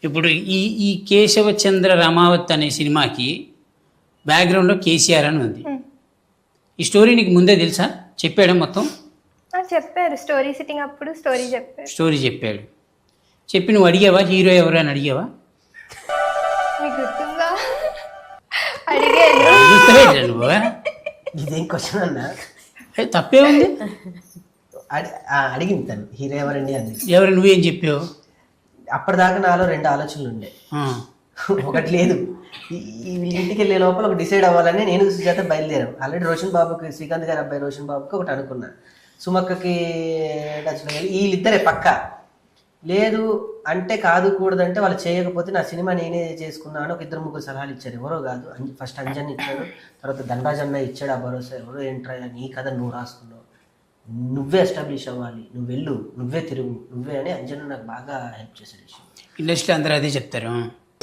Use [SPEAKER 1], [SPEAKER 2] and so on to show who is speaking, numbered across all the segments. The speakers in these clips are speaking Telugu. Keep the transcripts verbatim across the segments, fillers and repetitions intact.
[SPEAKER 1] ఇప్పుడు ఈ ఈ కేశవచంద్ర రమావత్ అనే సినిమాకి బ్యాక్గ్రౌండ్లో కేసీఆర్ అని ఉంది. ఈ స్టోరీ నీకు ముందే తెలుసా? చెప్పాడా మొత్తం?
[SPEAKER 2] ఆ, చెప్పారు. స్టోరీ సిట్టింగ్ అప్పుడు స్టోరీ చెప్పారు.
[SPEAKER 1] స్టోరీ చెప్పాడు. చెప్పి నువ్వు అడిగావా హీరో ఎవరు అని అడిగావా?
[SPEAKER 2] మీకు గుర్తుందా? అడిగాను.
[SPEAKER 1] గుర్తుపెట్టా నువ్వు?
[SPEAKER 3] ఇదేం క్వశ్చన్ అన్నా?
[SPEAKER 1] ఏ, తప్పే ఉంది.
[SPEAKER 3] అడి- ఆ, అడిగింది తను హీరో ఎవరండి అంది.
[SPEAKER 1] ఎవరు నువ్వేం చెప్పావు?
[SPEAKER 3] అప్పటిదాకా నాలో రెండు ఆలోచనలు ఉండే.
[SPEAKER 1] ఆ,
[SPEAKER 3] ఒకటి లేదు, ఈ ఈ వీళ్ళ ఇంటికి వెళ్ళే లోపల ఒక డిసైడ్ అవ్వాలని నేను సుజాత బయలుదేరాం. ఆల్రెడీ రోషన్ బాబుకి, శ్రీకాంత్ గారి అబ్బాయి రోషన్ బాబుకి ఒకటి అనుకున్నా, సుమక్కకి టచ్లో వెళ్ళి వీళ్ళిద్దరే పక్క లేదు అంటే కాదు కూడదంటే వాళ్ళు చేయకపోతే నా సినిమా నేనే చేసుకున్నాను. ఒక ఇద్దరు ముగ్గురు సలహాలు ఇచ్చారు. ఎవరో కాదు, ఫస్ట్ అంజన్ ఇచ్చాడు, తర్వాత ధనరాజ్ అన్న ఇచ్చాడు ఆ భరోసా. ఎవరో ఏంట్రా నీ కథ నువ్వు రాసుకున్నావు, నువ్వే ఎస్టాబ్లిష్ అవ్వాలి, నువ్వు వెళ్ళు, నువ్వే తిరుగు, నువ్వే అని అంజన్ నాకు బాగా హెల్ప్ చేశాడు.
[SPEAKER 1] ఇండస్ట్రీ అందరూ అదే చెప్తారు.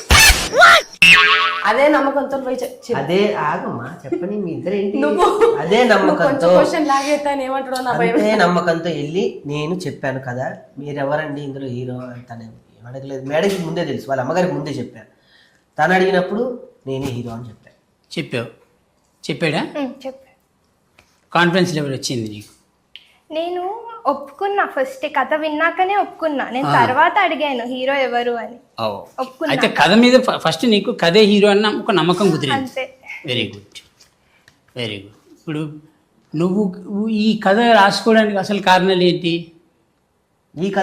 [SPEAKER 4] అదే నమ్మకంతో పోయి చె- చెప్పు.
[SPEAKER 3] అదే ఆగమ్మా చెప్పని మీ ఇద్దరు ఏంటి
[SPEAKER 4] నువ్వు
[SPEAKER 3] అదే నమ్మకంతో
[SPEAKER 4] క్వశ్చన్ లాగేస్తాను ఏమంటాడో నా భయం.
[SPEAKER 3] అదే నమ్మకంతో వెళ్ళి నేను చెప్పాను కదా మీరెవరండి ఇందులో హీరో తనే అడగలేదు. మేడకి ముందే తెలుసు, వాళ్ళ అమ్మగారికి ముందే చెప్పాను. తను అడిగినప్పుడు నేనే హీరో అని చెప్పాను.
[SPEAKER 1] చెప్పావు. చెప్పాడా?
[SPEAKER 2] ఉమ్, చెప్పారు.
[SPEAKER 1] కాన్ఫిడెన్స్ లెవెల్ వచ్చింది నీకు?
[SPEAKER 2] నేను ఒప్పుకున్నా, ఫస్ట్ కథ విన్నాకనే ఒప్పుకున్నా. నేను తర్వాత అడిగాను హీరో ఎవరు అని. ఒప్పుకున్నా.
[SPEAKER 1] అయితే కథ మీద ఫ- ఫస్ట్ నీకు కథే హీరో అన్న ఒక నమ్మకం కుదిరింది.
[SPEAKER 2] అంతే.
[SPEAKER 1] Very good, very good. ఇప్పుడు నువ్వు ఈ కథ రాసుకోవడానికి అసలు కారణాలు ఏంటి?
[SPEAKER 3] ఈ కథ